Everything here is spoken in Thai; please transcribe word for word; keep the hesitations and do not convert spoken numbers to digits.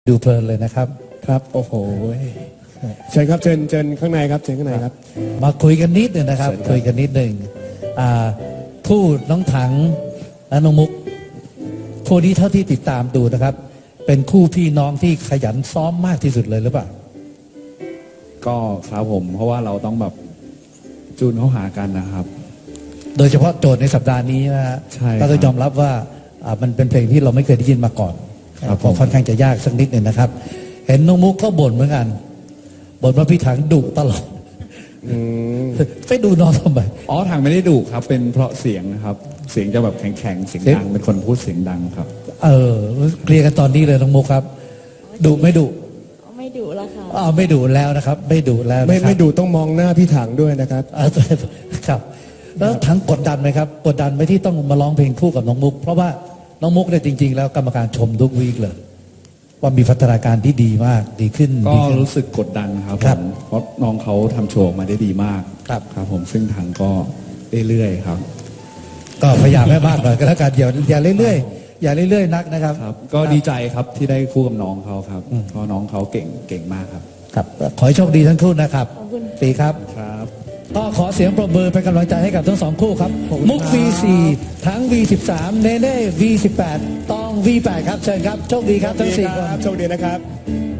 ดูเพลินเลยนะครับครับโอ้โหเชิญครับเชิญเชิญข้างในครับเชิญข้างในครับมาคุยกันนิดหนึ่งนะครับคุยกันนิดหนึ่งคู่น้องถังและน้องมุกคู่นี้เท่าที่ติดตามดูนะครับเป็นคู่พี่น้องที่ขยันซ้อมมากที่สุดเลยหรือเปล่าก็ครับผมเพราะว่าเราต้องแบบจูนเข้าหากันนะครับโดยเฉพาะโจทย์ในสัปดาห์นี้นะฮะใช่ก็ต้องยอมรับว่ามันเป็นเพลงที่เราไม่เคยได้ยินมาก่อนก็ค่อนข้างจะยากสักนิดหนึ่งนะครับเห็นน้องมุกก็บ่นเหมือนกันบ่นว่าพี่ถังดุตลอดไปดูน้องทำไมอ๋อถังไม่ได้ดุครับเป็นเพราะเสียงนะครับเสียงจะแบบแข็งๆเสียงดังเป็นคนพูดเสียงดังครับเออเคลียร์กันตอนนี้เลยน้องมุกครับดุไม่ดุไม่ดุแล้วค่ะอ๋อไม่ดุแล้วนะครับไม่ดุแล้วไม่ไม่ดุต้องมองหน้าพี่ถังด้วยนะครับครับแล้วถังกดดันไหมครับกดดันไหมที่ต้องมาร้องเพลงคู่กับน้องมุกเพราะว่าน้องมุกเนี่ยจริงๆแล้วกรรมการชมทุกวีคเลยว่ามีพัฒนาการที่ดีมากดีขึ้นก็รู้สึกกดดันครับผมเพราะน้องเขาทำโชว์มาได้ดีมากครับครับผมซึ่งถังก็เรื่อยๆครับก็พยายามให้มากหน่อยก็แล้วกันอย่าอย่าเรื่อยๆอย่าเรื่อยๆนักนะครับครับก็ดีใจครับที่ได้คู่กับน้องเขาครับเพราะน้องเขาเก่งเก่งมากครับครับขอให้โชคดีทั้งคู่นะครับปีครับครับก็ขอเสียงปรบมือเป็นกำลังใจให้กับทั้งสองคู่ครับมุก วี สี่ ทั้ง วี สิบสาม เนเน่ วี สิบแปด ตอง วี แปด ครับเชิญครับโชคดีครับทั้งสี่คนโชคดีนะครับ